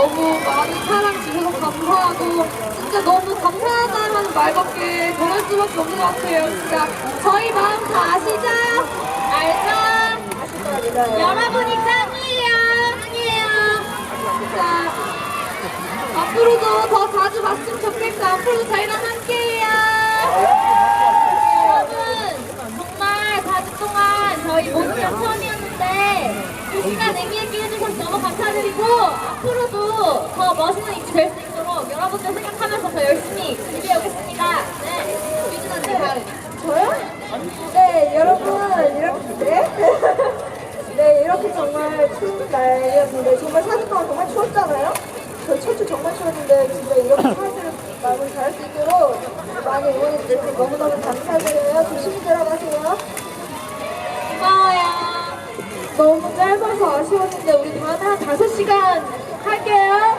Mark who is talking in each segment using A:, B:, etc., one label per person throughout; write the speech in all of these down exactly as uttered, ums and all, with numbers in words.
A: 너무 많은 사랑 주셔서 감사하고 진짜 너무 감사하다는 말밖에 전할 수밖에 없는 것 같아요. 진짜 저희 마음 다 아시죠? 알죠? 여러분이 짱이에요. 짱이에요. 진짜 앞으로도 더 자주 봤으면 좋겠고 앞으로도 저희랑 함께해요. 여러분 정말 사 주 동안 저희 모습 처음이었는데 이 시간 의미 있게 해주셔서 너무 감사드리고 앞으로도 더 멋있는 입시 될 수 있도록 여러분들 생각하면서 더 열심히 준비해오겠습니다. 네, 유진 언니 다음.
B: 저요? 네, 여러분 이렇게 네? 네, 이렇게 정말 추운 날이었는데 정말 사 주 동안 정말 추웠잖아요? 저희 첫 주 정말 추웠는데 진짜 이렇게 사회를 마음을 잘할 수 있도록 많이 응원해 주셔서 너무너무 감사드려요. 조심히 들어가세요.
A: 고마워요.
B: 너무 짧아서 아쉬웠는데 우리 다음에 한 다섯 시간 할게요.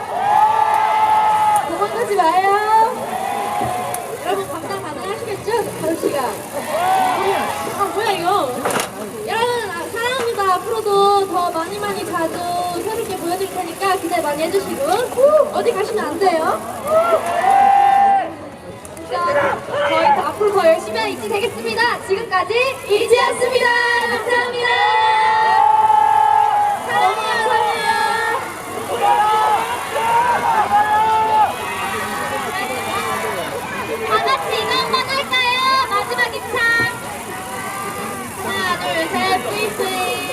B: 도망가지 마요.
A: 여러분 감당 가능하시겠죠? 다섯 시간. 아 뭐야 이거? 여러분 아, 사랑합니다. 앞으로도 더 많이 많이 자주 새롭게 보여드릴 테니까 기대 많이 해주시고 어디 가시면 안 돼요. 진짜 저희 더 앞으로 더 열심히 하는 이지 되겠습니다. 지금까지 이지였습니다. 감사합니다. 사랑해요, 사랑해요. 다 같이 이거 한번 할까요? 마지막 입장. 하나, 둘, 셋, 뿌이뿌이.